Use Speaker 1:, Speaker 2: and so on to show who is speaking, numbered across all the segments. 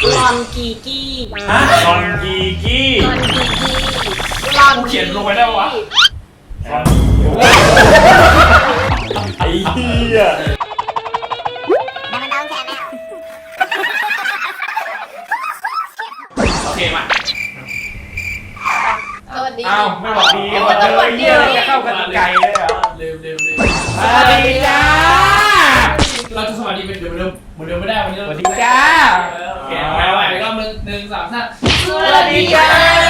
Speaker 1: ลอนกีกี้
Speaker 2: ลอนกีกี้
Speaker 1: ลอน
Speaker 3: เขียนลงไปได้วะ
Speaker 2: ไอ้เหี้ย
Speaker 3: โอเคมา
Speaker 1: สวัสดี
Speaker 3: อ้าวไม่บอกดี
Speaker 1: สวัสดี
Speaker 2: จะเข้ากันไกลเลยเหรอ
Speaker 3: เร็ว
Speaker 2: สวัสดีจ้า
Speaker 3: เราจะสวัสดีเป็นเดิมไม่ได้วันนี้
Speaker 2: สวัสดีจ้า
Speaker 3: โอเคไปไปก็หนึ่งสามห้า
Speaker 1: สวัสดีจ้า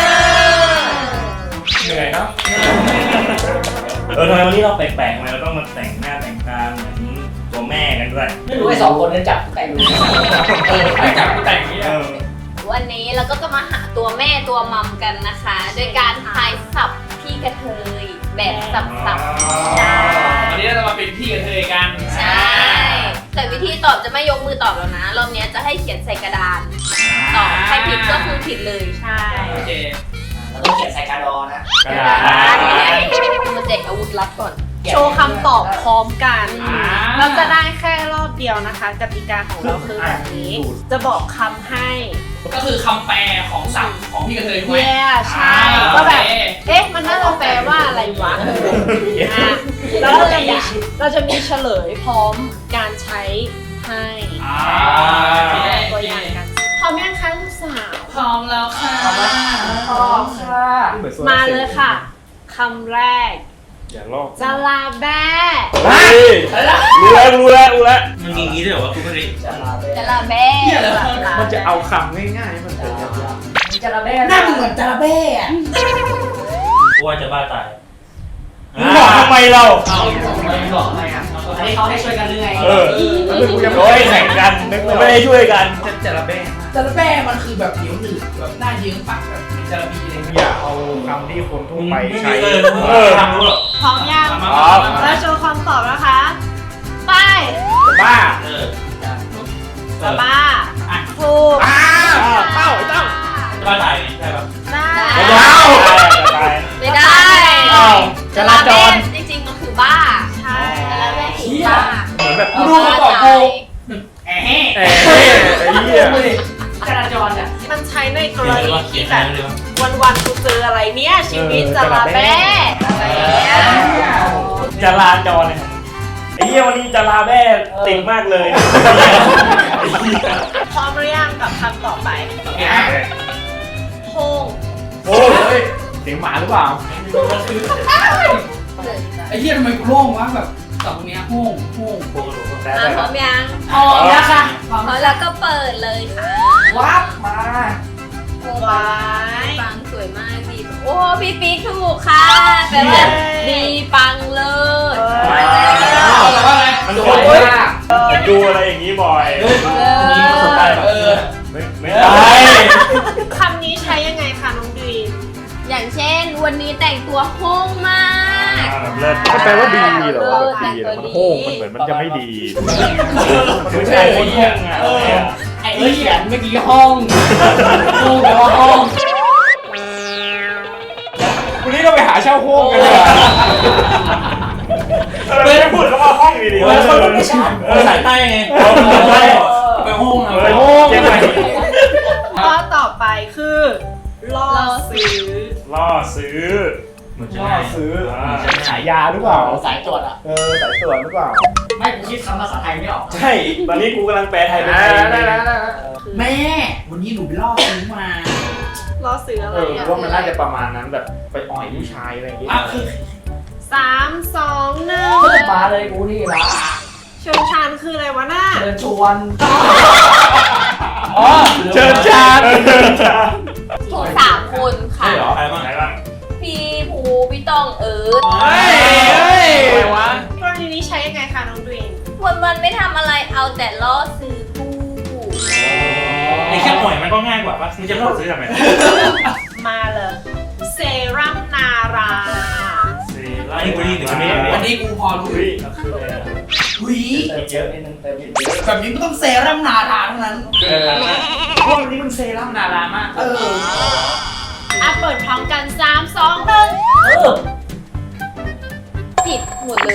Speaker 3: เหนื่อยเนาะ
Speaker 2: ทำไมวันนี้เราแปลกๆทำไมเราต้องมาแต่งหน้าแต่งตาเหมือนตัวแม่กันด้วย
Speaker 4: ไม่รู้ไอ้สองคนนั้นจับแต่ง
Speaker 3: ไอ้จับกูแต่งอย่างนี้
Speaker 1: วันนี้เราก็จะมาหาตัวแม่ตัวมัมกันนะคะโดยการทายสับพี่กระเทยแบบสับๆใช่
Speaker 3: วันนี้เราจะมาเป็นพี่กับเธอกัน
Speaker 1: ใช่แต่วิธีตอบจะไม่ยกมือตอบแล้วนะรอบนี้จะให้เขียนใส่กระดานตอบใครผิดก็คือผิดเลยใช่
Speaker 3: โอเค
Speaker 4: แล้วต้องเขียนใส่กระดอนะ
Speaker 2: กระดาษ
Speaker 1: มาแจกอาวุธลับก่อน
Speaker 5: โชว์คำตอบพร้อมกัน เราจะได้แค่รอบเดียวนะคะกติกาของเราคือแบบนี้ จะบอกคำให้
Speaker 3: ก็คือคำแปลของศัพท์ของพี่กับเธอถูกไหม
Speaker 5: แย่ใช่ก็แบบ เอ๊ะ มันน่าจะแปลว่าอะไรวะอ่ะแล้วเราจะมีเฉลยพร้อมการใช้ให้ ตัวอย่างกันพร้อมยังคะลูกสาว
Speaker 3: พร้อมแล้วค่ะ
Speaker 4: พร้อมค่ะ
Speaker 5: มาเลยค่ะคำแรก
Speaker 2: อย่าลอก
Speaker 5: จลาแบ้
Speaker 2: เฮ้ยรู้แล้ว
Speaker 6: มันมีอย่างนี้ด้วยเหรอวะคุณพริ
Speaker 4: จะลาเบ้
Speaker 1: จะลาแบ้
Speaker 2: มันจะเอาคำง่ายๆมันเป็นยาก
Speaker 4: จะลาเบ้หน้าเหมือนจะลาเบ้อะ
Speaker 6: กูว่าจะบ้าตาย
Speaker 2: ๆมึงบอกทำไมเรา
Speaker 3: เอาไม่บอกไม่อ่ะ
Speaker 4: อันนี้เขาให้ช่วยกันหรือไง
Speaker 2: โอ้ยแข่งกันไม่ได้ช่วยกัน
Speaker 3: จะระเบ้
Speaker 4: จะลาเบ้มันคือแบบเหนียวหนืดแบบหน้าเยิ้มปากแบบ
Speaker 3: จะระบีอะไร
Speaker 7: อย่าเอาคำที่คนทั่วไปใช้
Speaker 6: ทำรู้หรอ
Speaker 5: พร้อมยังแล้วโชว์คำตอบนะคะ ไป
Speaker 7: บ้า
Speaker 6: เออ
Speaker 5: จะบ้าถูก
Speaker 7: เต้าไอ้เต้า
Speaker 6: บ้าตายไงใช่ปะ
Speaker 5: ได้
Speaker 1: ไม่ได้
Speaker 4: จราจร
Speaker 1: จริงๆมันคือบ้า
Speaker 5: ใช่
Speaker 1: จะลาแบ้คือบ้า
Speaker 7: เหมือนแบบ
Speaker 3: กูดูมาก่อนกูแอะ
Speaker 7: ไอ้เหี้ย
Speaker 4: จราจรอ่ะ
Speaker 5: มันใช้ในก
Speaker 6: เขี
Speaker 5: ร
Speaker 6: ยนเลย
Speaker 5: ณี
Speaker 6: ว่าเขีย
Speaker 5: ที่
Speaker 6: น
Speaker 5: แบ
Speaker 6: ได้
Speaker 5: บ
Speaker 6: เลยวะ
Speaker 5: วันๆกูเจออะไรเนี่ยชีวิตจะลาแบ้อะไรอย่างเงี้ย
Speaker 2: จราจรเนี่ยไอ้เหี้ยวันนี้จราแม่ติดมากเลย
Speaker 5: พร้อมหรือยังกับคำต่อไปโฮง
Speaker 7: โอ้ยเสียงหมาหรือเปล่า
Speaker 3: ไอ้เหี้ยทำไมกูโล่งวะแบบตรงเนี้ยโห้ง
Speaker 1: พร้อมยัง
Speaker 4: พร้อมแล้วค่ะ
Speaker 1: พร้อมแล้วก็เปิดเลยค่ะ
Speaker 4: วับมา
Speaker 1: โอ้
Speaker 5: ไว้
Speaker 1: ปังสวยมากดีโอ้พี่ปิ๊กถูกค่ะแปลว่าดีปังเลิศ
Speaker 3: แต่ว่าอะไร
Speaker 2: มัน
Speaker 4: ส
Speaker 2: ค
Speaker 4: วย
Speaker 2: น
Speaker 4: มาก
Speaker 2: ดูอะไรอย่างนี้บ่อย
Speaker 6: มีประสบการณ์แบบ
Speaker 2: ไม่ได้
Speaker 5: คำนี้ใช้ยังไงคะน้องดีม
Speaker 1: อย่างเช่นวันนี้แต่งตัวโฮ้งมาก
Speaker 2: เลิศ
Speaker 7: มันแปลว่าดีเหรอแบบดีเหรอมันโห้งมันเหมือนมันจะไม่ดี
Speaker 2: ไม่ใช่คนห้องอ่ะ
Speaker 4: ไอ้เขียนเมื่อกี้ห้องห้องแปลว่าห้อง
Speaker 7: วันนี้เราไปหาเช่าโห้งกันเลย
Speaker 2: ไม่ได้พูดคำว่าห้องดีๆ
Speaker 6: ภาษาใต้ไง
Speaker 3: ไปโห้ง
Speaker 2: เฮ้ยเจ๊งไหม
Speaker 5: ข้อต่อไปคือล่อซื้อ
Speaker 2: ล่อซื้อ
Speaker 6: เหมือนจะ
Speaker 7: ล่อ
Speaker 6: ง่าย
Speaker 7: ซื้อ
Speaker 2: ใช่
Speaker 7: ขายยาหรือเปล่า
Speaker 4: สายตรวจอ่ะ
Speaker 7: สายตรวจหรือเปล่า
Speaker 4: ไม่กูคิดคำภาษาไทยไม่ออก
Speaker 2: ใช่ ตอนนี้กูกำลังแปลไทยเป็นไทย
Speaker 4: แม่ วันนี้หนูไปล่อซื้อมา
Speaker 5: ล่อซื้ออะไรอ่ะ
Speaker 7: ว่ามันน่าจะประมาณนั้นแบบไปอ่อยผู้ชายอะไรอย่างเงี้ย
Speaker 3: อ่ะคือ
Speaker 5: 3 2 1
Speaker 4: มาเลยกูนี่ละ
Speaker 5: เชิงชานคืออะไรวะน่า
Speaker 4: เชิญชวน
Speaker 7: อ๋อเชิญชาญ
Speaker 1: ถูก3 คนค่ะ
Speaker 6: ใช่เหรอใครบ้าง
Speaker 2: ไหนบ้าง
Speaker 1: พี่ภูพี่ต้องเอิร์ธ
Speaker 7: อะไรวะ
Speaker 5: กรณีนี้ใช้ยังไงคะน้องดีม
Speaker 1: วันๆไม่ทำอะไรเอาแต่ล่อซื้อผู้
Speaker 6: ไอ้แค่อ่อยมันก็ง่ายกว่าปะมึงจะล่อซื้อทำไม
Speaker 5: มาเลยเซรั่มนารา
Speaker 6: ไอ้กูนี่หนึ่งไม่
Speaker 3: วันนี้กูพอรู้
Speaker 2: อุ้ย
Speaker 3: หุย
Speaker 4: เติมเยอะนิดนึงเติมเยอะ
Speaker 3: แบบนี้มันต้องเซรั่มนาทาเท่านั้น
Speaker 4: พวกนี้มันเซรั่มนารามาก
Speaker 5: อ่ะเปิดพร้อมกัน 3 2
Speaker 1: ผิดหมดเลย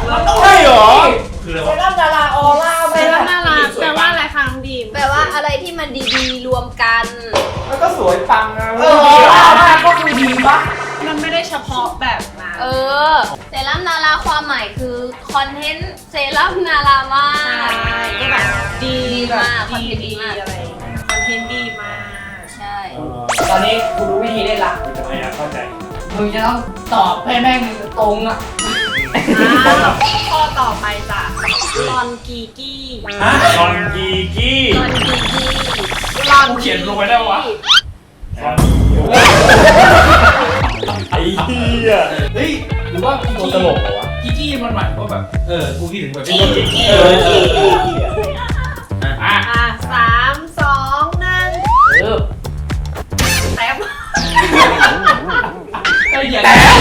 Speaker 7: ใช่เหรอ
Speaker 6: คืออะไร
Speaker 4: เซ
Speaker 6: วะ
Speaker 4: รั่มนาราออร่า
Speaker 5: 1เซรั่มนาราแปลว่าอะไรคะน้องดีม
Speaker 1: แปลว่าอะไรที่มันดีๆรวมกัน
Speaker 4: แล้วก็สวยปังนะ
Speaker 5: ก็คือดีปะมันไม่ได้เฉพาะแบบนั้น
Speaker 1: เซรั่มนาราความหมายคือคอนเทนต์เซรั่มนารามาก
Speaker 5: ใช่ก็แบบดี
Speaker 1: มาก
Speaker 5: คอนเทนต์ดีอะไรคอนเทนต์ดีมาก
Speaker 1: ใช่
Speaker 4: ตอนนี้กูรู้วิธีได้ละ
Speaker 2: ทำไมอะเข้าใจ
Speaker 4: มึงจะต้องตอบให้แม่งตรงอ่ะ
Speaker 5: ข้อต่อไปจ้ะลอนกีกี้
Speaker 2: ลอนกีกี้
Speaker 1: ลอนกีกี้
Speaker 5: ลอน
Speaker 3: กูเขียนลงไปได้ปะวะ
Speaker 2: ไอ้เหี้ย
Speaker 3: เฮ้ยหรือว่ากิก
Speaker 2: ตัว
Speaker 3: กี้
Speaker 2: ตลกเหรอวะ
Speaker 3: กิกกี้มันหมายถึงว่าแบบกูคิดถึงแบบ
Speaker 2: เป็นตัวจริง
Speaker 3: อ่ะ
Speaker 5: 3 2 1แป๊บ
Speaker 3: ไอ้เหี้ย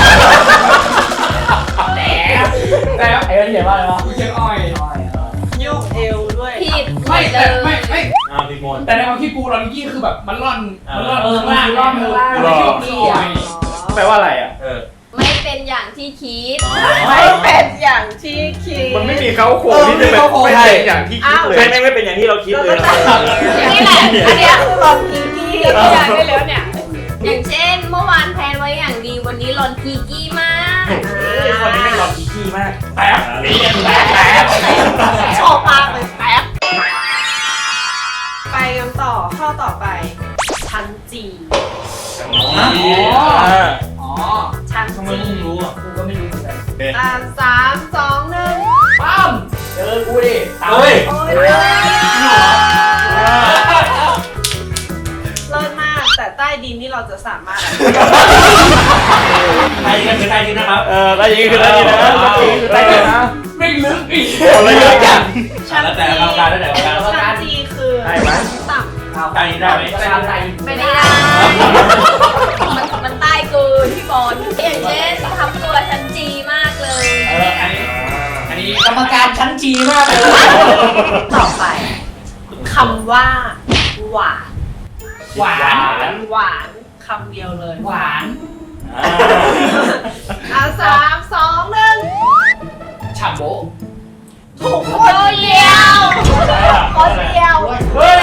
Speaker 4: แต่ไอ้เขียนว่าอะไรวะ
Speaker 3: กูเขียนอ้อย
Speaker 5: โยกเอวด้วย
Speaker 1: ผิด
Speaker 3: ไม่
Speaker 1: เล
Speaker 3: แต่
Speaker 1: ย
Speaker 3: ไม่
Speaker 2: พี่มน
Speaker 3: แต่ในความคิดกูลอนกี้คือแบบมันร่อนร่อน
Speaker 4: ร่อนข้างล่าง
Speaker 3: กูเลยคิดว่าคืออ้อย
Speaker 7: แปลว่าอะไรอ่ะ
Speaker 1: ไม่เป็นอย่างที่คิด
Speaker 5: ไม่เป็นอย่างที่คิด
Speaker 7: มันไม่มีเขาโครงที่จะเป็นไม่ใช่อย่างที่คิดเลย
Speaker 2: ใช่ไม่เป็นอย่างที่เราคิดเลยนะ
Speaker 5: นี่แหละอันเนี้ยคือลอนกีกี้ตัวอย่างได้แล้วเนี่ย
Speaker 1: อย่างเช่นเมื่อวานแพลนไว้อย่างดีวันนี้ลอนกีกี้มาก
Speaker 2: คนนี้ไม่ลอนกีกี้มาก
Speaker 3: แป๊บ
Speaker 2: เรียน
Speaker 3: แป๊บ
Speaker 5: ชอบมากเลยแป๊บไปกันต่อข้อต่อไปชั้นจี
Speaker 3: อ๋อ
Speaker 5: ชั้น
Speaker 3: ทำไม
Speaker 5: จี
Speaker 3: มึงรู้อ่ะ
Speaker 4: กูก็ไม่รู้เหมือนกัน
Speaker 5: 3 2 1
Speaker 4: ปั้มเจอกูดิ
Speaker 3: เฮ้ย
Speaker 5: โอ้ยเลิศมาก แต่ใต้ดินนี่เราจะสามารถ
Speaker 3: ไทยกันคือไทยกันนะครับ
Speaker 7: ได้ยินคือได้ยินนะได้ยินนะ
Speaker 3: ไม่ลึกอีก
Speaker 7: อะไรเยอะจัง
Speaker 5: ชั้น
Speaker 3: แล้วแต่
Speaker 5: จี
Speaker 3: กรรมการแล้วแต่กรรมการ
Speaker 5: ชั้นจีคือ
Speaker 7: ได้ไหม
Speaker 5: ต่
Speaker 3: ไทยได้ไหม
Speaker 4: อะไร
Speaker 1: ไม่ได้มันใต้เกินพี่บอลอย่างเช่นทำตัวชั้นจีมากเลย
Speaker 3: อันนี้
Speaker 4: กรรมการชั้นจีมากเลย
Speaker 5: ำต่อไปคำว่า หวาน
Speaker 3: หวาน
Speaker 5: หวานคำเดียวเลย
Speaker 3: หวาน
Speaker 5: 3 2 1
Speaker 3: ฉ่ำโบ
Speaker 5: ถูกคนเดียวคนเดียว
Speaker 2: เฮ้ย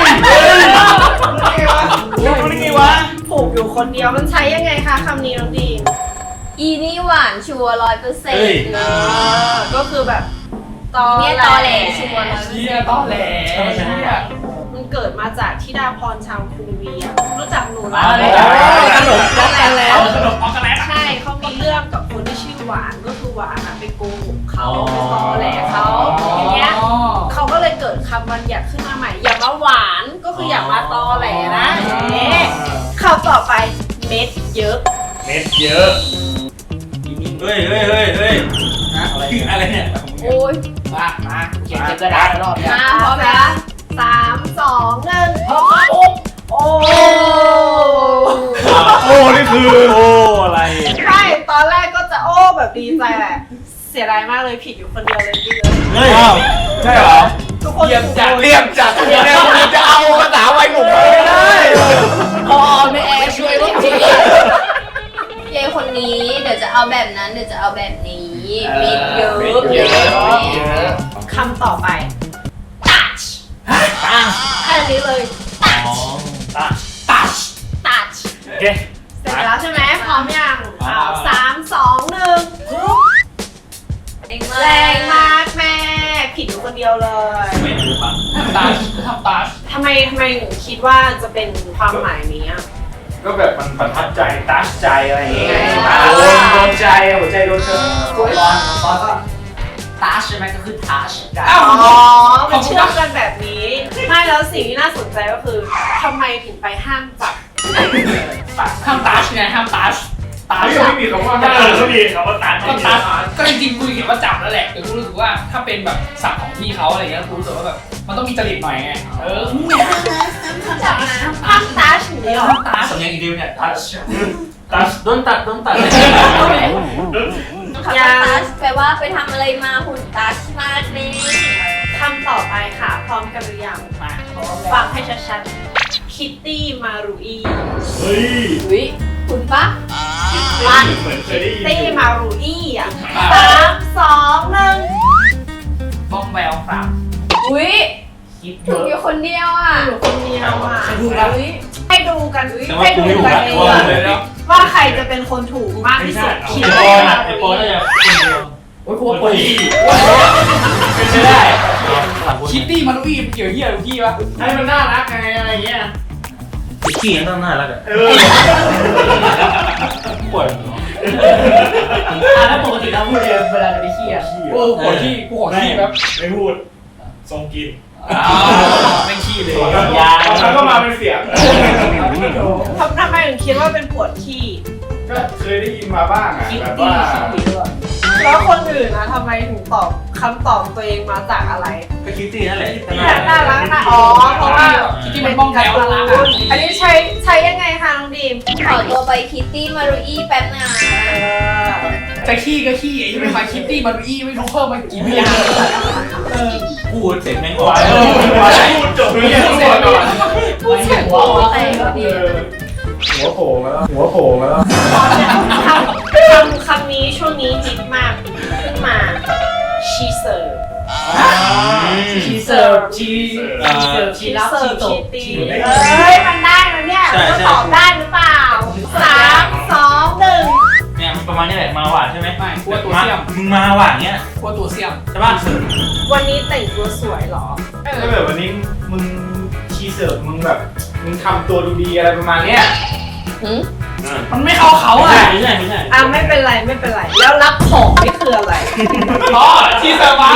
Speaker 2: รู้ได้ไงวะ
Speaker 5: ถูกอยู่คนเดียวมันใช้ยังไงคะคำนี้น้องดีม
Speaker 1: อีนี่หวานชัวร์100%
Speaker 5: ก็คือแบบตอ
Speaker 1: เนี่ยตอแหลชัวร์
Speaker 3: เชี่ยต้อแหลเชี่ย
Speaker 5: มันเกิดมาจากธิดาพรชาวกรุงเวียรู้จักหนูรั
Speaker 3: ขนมช็อกโกแลตขนมช็อกโกแลต
Speaker 5: ใช่เขามีเรื่องกับคนที่ชื่อหวานก็คือหวานอะไปโกหกเขาไปตอแหลเขาอย่างเงี้ยเขาก็เลยเกิดคำบัญญัติขึ้นมาใหม่ อย่ามาหวานก็คืออย่ามาตอแหลนะคำต่อไปเม็ดเยอะ
Speaker 2: เม็ดเยอะ
Speaker 3: เฮ้ยอะไรเนี่ย
Speaker 1: โอ้ย
Speaker 4: มาเขียนกระดาษรอบ
Speaker 1: มาพร้อมแล้ว
Speaker 5: 3 2 1พร้อมโอ้
Speaker 7: โอ้นี่คือโอ้อะไร
Speaker 5: ใช่ตอนแรกก็จะโอ้แบบดีใจแหละเสียดายมากเลยผิดอยู่คนเดียวเลยพี่เลย
Speaker 2: เฮ้ย
Speaker 7: ใช่เหรอ
Speaker 5: ทุกคน
Speaker 3: เยี่ยมจัด
Speaker 7: เรียบจัดเนี่ยจะเอาภาษาวัยหนุ่มไม่ได้
Speaker 4: พอไม่แอร์ช่วยว่าที
Speaker 1: เยายคนนี้เดี๋ยวจะเอาแบบนั้นเดี๋ยวจะเอาแบบนี้เม็ดเยอะ
Speaker 2: เม็ดเยอะ
Speaker 5: คำต่อไป touch แค่นี้เลย touch
Speaker 2: ตัช
Speaker 5: touch
Speaker 2: โอเค
Speaker 5: เสร็จแล้วใช่ไหมพร้อมยัง3 2 1แรงมากแม่ผิดอยู่คนเดียวเลย
Speaker 3: ไม่รู้ป่ะตาทำตา
Speaker 5: ทำไมถึงคิดว่าจะเป็นความหมายนี้อะ
Speaker 7: ก็แบบมันประทับใจตัชใจอะไรอย่างเงี้ยโดนใจหัวใจโดนเธอ
Speaker 4: ตอนก็ทัชใช่ไหมก็คือทัชกัน
Speaker 3: อ้าว
Speaker 5: อ๋อมันเชื่อมกันแบบนี้ไม่แล้วสิ่งที่น่าสนใจก็คือทำไมถึงไปห้ามจับ
Speaker 3: ห้ามตาชไงห้ามตาชตาช
Speaker 7: ไม่มีคำว่า
Speaker 2: เขามีคำว่าตัช
Speaker 3: ก็ตาชก็จริงๆกูเห็นว่าจับแล้วแหละแต่กูรู้สึกว่าถ้าเป็นแบบศัพท์ของพี่เขาอะไรเงี้ยกูรู้สึกว่าแบบมันต้องมีจริตหน่อยไงเนี่ย
Speaker 5: ห้ามทัชอย่างนี้หรอ
Speaker 3: ตาสำเนียงอีดิวเนี่ยตาช
Speaker 2: ตัช
Speaker 3: โดนตัด
Speaker 1: คำว่าตัชแปลว่าไปทำอะไรมาหุ่นตัชมากเลย
Speaker 5: คำต่อไปค่ะพร้อมกันหรือยังมาฟังให้ชัดๆคิตตี้มารูอี
Speaker 2: เฮ้ย
Speaker 1: อุ้ยคุณปะ
Speaker 2: เหมือนเคยได้ยิน
Speaker 5: ตี้มารูอีอ่ะ3 2 1
Speaker 3: บ้องแววครับ
Speaker 1: อุ้ย
Speaker 4: คิดเย
Speaker 1: ถูก
Speaker 4: อะ
Speaker 1: อยู่คนเดียวอ่ะ
Speaker 5: อยู่คนเดียวอ่ะ
Speaker 4: ใครถูกล่ะ
Speaker 5: ให้ดูกัน
Speaker 6: แต่ว่า
Speaker 5: ให้
Speaker 6: กู
Speaker 5: ดู
Speaker 6: ไม่ถูก
Speaker 5: กัน
Speaker 6: ละ
Speaker 5: เอง
Speaker 6: ว่าเลย
Speaker 5: ว่าใครจะเป็นคนถูกมากที่สุดคิด
Speaker 6: ไอ
Speaker 5: ว่า
Speaker 6: ปอนน่ะไอปอนน่าจะคนเดียว
Speaker 4: โอ้ยกูว่าปวดขี้
Speaker 6: เป็นไปได้
Speaker 3: คิตตี้มารุอี้เกี่ยวเหี้ยกับพี่ปะ
Speaker 4: ให้มันน่ารักไงอะไรเงี้ย
Speaker 6: ขี้ยังต้องน่ารักอ่ะ
Speaker 4: ปวดแล้วปกติเราพูดเองเวลาจะไปขี้อ่ะ
Speaker 3: โอ้ปวดขี้กูขอขี้แป๊บ
Speaker 2: ไม่พูดทรงกิน
Speaker 3: ไม่ขี้เลย
Speaker 7: ยาแล้วก็มาเป็นเสียง
Speaker 5: ทำไมถึงคิดว่าเป็นปวดขี้
Speaker 7: ก็เคยได้ยินมาบ้างอ่ะ
Speaker 4: คิด
Speaker 7: แบบ
Speaker 4: ดี
Speaker 7: ว่า
Speaker 4: ขี้ด้วย
Speaker 5: แล้วคนอื่นนะทำไมถึงตอบคำตอบตัวเองมาจากอะไร
Speaker 6: ก็คิดตีนั่นแหละ
Speaker 5: น่ารักนะอ๋อเพราะว่า
Speaker 3: คิตตี้มันบ้องแถว
Speaker 5: อันนี้ใช้ยังไงคะน้องดีม
Speaker 1: ขอตัวไปคิตตี้มารุอี้แป๊บนะ
Speaker 3: จะขี้ก็ขี้ไอ้ที่ไม่มาคิตตี้มารุอี้ไม่รู้เพิ่มมากี่พยางค์
Speaker 6: พูดเสร็จแม่ง
Speaker 7: ห
Speaker 6: ออก
Speaker 7: วานพูดจบเลยพูดก่อน
Speaker 5: พูดเสียงหัวเราะ
Speaker 1: ไปก็ดี
Speaker 7: หัวโผล่มาแล้วหัวโผล่มาแล้ว
Speaker 5: คำนี้ช่วงนี้ฮิตมากขึ้นมา she serve
Speaker 4: ชีเสิร์ฟชีเสิร์ฟชี
Speaker 5: she
Speaker 4: รับชี
Speaker 5: serve
Speaker 4: ต
Speaker 5: she
Speaker 4: ก
Speaker 5: ตีเอ้ยมันได้แล้วเนี่ยจะตอบได้หรือเปล่า3 2 1
Speaker 6: เนี่ยมันประมาณนี้แหละมาหวานใช่ไหม
Speaker 3: ไม่กลัวตัวเสี่ยม
Speaker 6: มึงมาหวานเงี้ย
Speaker 3: กลัวตัวเสี่ยม
Speaker 6: ใช่ป่ะ
Speaker 5: วันนี้แต่งตัวสวยเหรอ
Speaker 7: ถ้าแบบวันนี้มึงชีเสิร์ฟมึงแบบมึงทำตัวดูดีอะไรประมาณเนี้ย
Speaker 3: มันไม่เข้าเขา
Speaker 6: ไม่
Speaker 3: อ่ะ
Speaker 6: ใช่ไม่ใช่
Speaker 5: อ่ะไม่เป็นไรไม่เป็นไร แล้วรับของนี่คืออะไร
Speaker 3: อ๋อที่เซอร์ไพรส์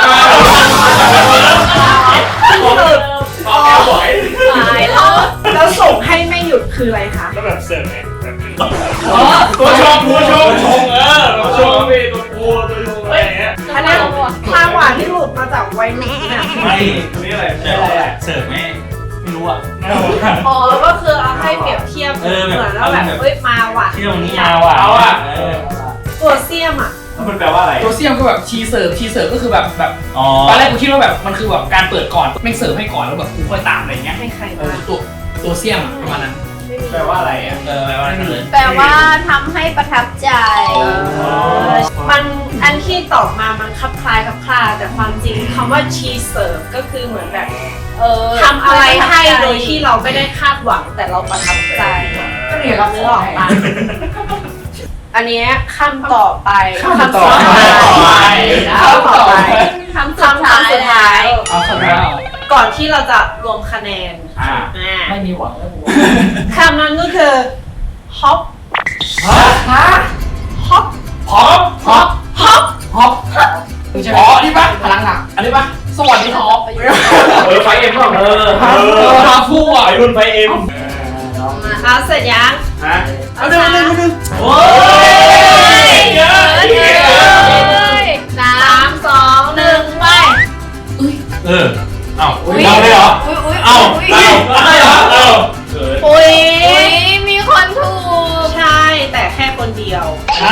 Speaker 7: เอาแก้วบ่อย
Speaker 1: ตายแล้ว
Speaker 5: แล้วส่งให้ไม่หยุดคืออะไรคะ
Speaker 2: ก็แบบเสิร์ฟไงแบบ
Speaker 7: ตัวชงตัวชง
Speaker 2: ตัวชงพี่ตัวปูตัวชงอะไรอย่างเงี้ย
Speaker 5: อันนี้ทางหวานที่หลุดมาจากวัยรุ่นเนี่ย
Speaker 6: ไม่
Speaker 7: ตัวนี้อะไร
Speaker 6: เสิร์ฟไหมไม่รู้อ่ะ
Speaker 5: อ๋อก็คือเอาให้เปรียบเทียบเหมือนแล้วแบบเอ้ยมาหวาน
Speaker 6: เที่ยวนี้มาหวาน
Speaker 7: เอาอ่ะ
Speaker 5: ตัวเสี้ยมอ่ะ
Speaker 7: มันแปลว่าอะไร
Speaker 3: ตัวเสี่ยมก็แบบชีเสิร์ฟก็คือแบบ
Speaker 6: อ๋อ
Speaker 3: ตอนแรกกูคิดว่าแบบมันคือแบบการเปิดก่อนแม่งเสิร์ฟให้ก่อนแล้วแบบกูค่อยตามอะไรเงี้ย
Speaker 5: ให้ใคร
Speaker 3: เอ
Speaker 5: มา
Speaker 3: อตัวเสี่ยมอะประมาณนั้น
Speaker 7: แปลว่าอะไรอ่ะ
Speaker 6: แปลว่าอะไรเลย
Speaker 1: แปลว่าทำให้ประทับใจ
Speaker 5: มันอันที่ตอบมามันคลับคล้ายคลับคลาแต่ความจริงคำว่า cheese serve ก็คือเหมือนแบบทำอะไรให้โดยที่เราไม่ได้คาดหวังแต่เราประทับใจ
Speaker 4: ก็เนี่ยรับ
Speaker 5: นึ
Speaker 4: เนื้
Speaker 5: ก
Speaker 4: อ
Speaker 5: อ
Speaker 4: อ
Speaker 5: อ
Speaker 4: อก ก
Speaker 5: ปะอันเนี้ยคำต่อไป
Speaker 3: คำต่อไป
Speaker 5: คำต่อไป
Speaker 1: คำสุดท้าย
Speaker 5: สุดท้าย
Speaker 3: เอาคำแล้ว
Speaker 5: ก่อนที่เราจะรวมคะแนน
Speaker 7: อ่า
Speaker 4: ไม่มีหวังแล้วกู
Speaker 5: คำนั้นก็คือ hop
Speaker 3: ฮะ
Speaker 5: hop
Speaker 3: พร้อม
Speaker 5: hop hop
Speaker 3: ฮอปอ๋อนี่ปะพลังหนักอันนี้ปะสวัสดีฮอป
Speaker 7: ไฟเอ็มเปล่า
Speaker 3: ฮาฟูอ่ะ
Speaker 2: ไอรุ่นไฟเอ็ม
Speaker 5: เอาเสร็จยัง
Speaker 7: ฮะ
Speaker 3: เอาดึง
Speaker 6: โอ้
Speaker 1: เยอะเลยสาม
Speaker 5: 3 2 1 ไป
Speaker 6: เออเอ้า
Speaker 1: อุ๊ย
Speaker 6: เราเลยเหรอ
Speaker 1: อุ้ยอุ้ย
Speaker 6: เอ้า
Speaker 1: อุ้ย
Speaker 6: เอ้าไม่เหรอเอ้า
Speaker 5: อุ้ย
Speaker 1: อุ้ยมีคนถูก
Speaker 5: ใช่ แต่แค่คนเดียว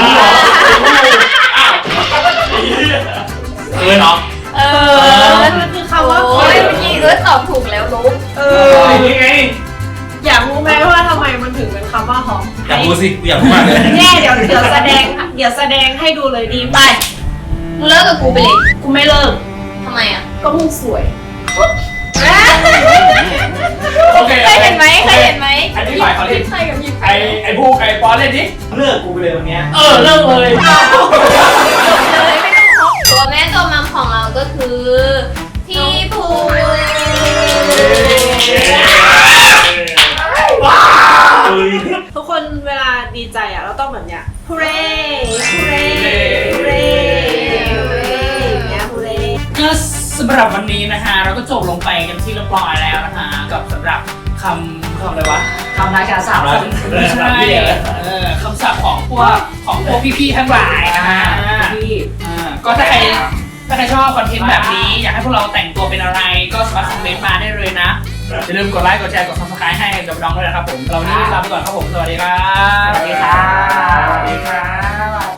Speaker 6: เนาะ
Speaker 1: เอ
Speaker 5: มันคือคำว่า
Speaker 1: โอ้ยเมื่อกี้ตอบถูกแล้วลุก
Speaker 7: นี่ไง
Speaker 5: อยากรู้ไหมว่าทำไมมันถึงเป็นคำว่าหอม
Speaker 6: อยากรู้สิอยากรู้มากเลย
Speaker 5: เนี่ยเดี๋ยวแสดงให้ดูเลยดีไป
Speaker 1: มึงเลิกกับกูไปเลย
Speaker 5: กูไม่เลิก
Speaker 1: ทำไมอ่ะ
Speaker 5: ก็มึงสวย
Speaker 3: โอเค
Speaker 1: เคยเห็นไหมเคยเห็นไหม
Speaker 3: อันนี้ฝ่ายเขาเล่น
Speaker 1: ใครกับยิบ
Speaker 3: ไอ้ผู้ไก่ปอนเล่นดิ
Speaker 7: เลิกกูไปเลยวันเนี้ย
Speaker 3: เลิกเลย
Speaker 1: เลยไม่ต้องเคาะตัวแม่ตัวมัมของเราก็คือพี่ภู
Speaker 5: ทุกคนเวลาดีใจอ่ะเราต้องแบบเนี้ยฮูเร่ฮูเร่ฮูเร่อย่างเงี้ยฮูเร่
Speaker 3: ก็สำหรับวันนี้นะฮะเราก็จบลงไปกันที่เรียบร้อยแล้วนะฮะกับสำหรับคำอะไรวะ
Speaker 4: คำราชาศัพท์
Speaker 3: ใช่คำศัพท์ของพวกพี่ๆทั้งหลายนะฮะ
Speaker 4: ที่
Speaker 3: ก็ถ้าใครชอบคอนเทนต์แบบนี้ อยากให้พวกเราแต่งตัวเป็นอะไร ก็สามารถคอมเมนต์มาได้เลยนะอย่าลืมกดไลค์กดแชร์กด subscribe ให้กับน้องด้วยนะครับผมเราวันนี้ลาไปก่อนครับผมสวัสดีครับ
Speaker 4: สวัสดีค่ะสวัสดีค่ะ